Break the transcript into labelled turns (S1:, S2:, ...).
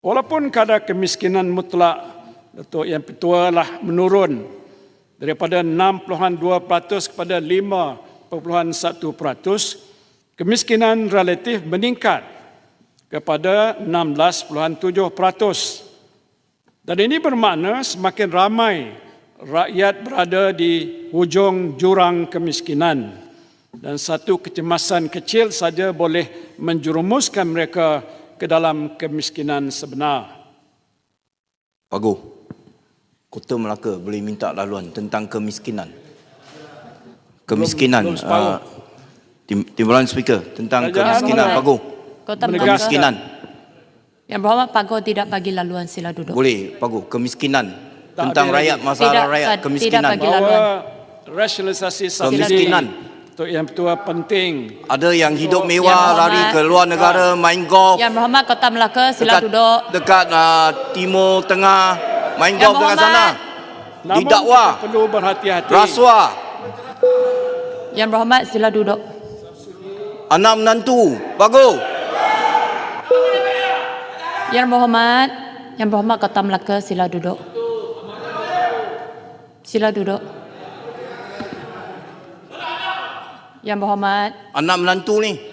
S1: Walaupun kadar kemiskinan mutlak Datuk Yang Pertua lah menurun daripada 6.2% kepada 5.1%, kemiskinan relatif meningkat kepada 16.7%. Dan ini bermakna semakin ramai rakyat berada di hujung jurang kemiskinan dan satu kecemasan kecil saja boleh menjerumuskan mereka ke dalam kemiskinan sebenar.
S2: Pagu, Kota Melaka boleh minta laluan tentang kemiskinan.
S1: Belum separuh.
S2: Timbalan Speaker tentang
S1: Kerajaan
S2: kemiskinan,
S3: Melaka.
S2: Pagu.
S3: Kota
S2: Kemiskinan.
S3: Yang berhormat Pagu tidak bagi laluan, sila duduk.
S2: Boleh, Pagu. Kemiskinan.
S1: Tak
S2: Tentang
S1: ada
S2: rakyat,
S1: lagi.
S2: masalah
S3: Tidak,
S2: rakyat,
S3: tidak
S2: kemiskinan.
S3: bagi laluan.
S1: Bahawa rasionalisasi subsidi
S2: Kemiskinan.
S1: Datuk Yang Pertua penting.
S2: Ada yang hidup
S1: Yang
S2: mewah,
S3: berhormat.
S2: lari ke luar negara, main golf.
S3: Yang berhormat Kota Melaka, sila duduk.
S2: Dekat Timur Tengah, main
S3: Yang
S2: golf dekat
S3: berhormat.
S2: sana.
S1: Namun
S2: Didakwa.
S1: kita perlu berhati-hati.
S2: Rasuah.
S3: Yang berhormat, sila duduk.
S2: Anak menantu. Pagu.
S3: Yang berhormat Kota Melaka, sila duduk. Sila duduk. Yang berhormat,
S2: Anak menantu ni.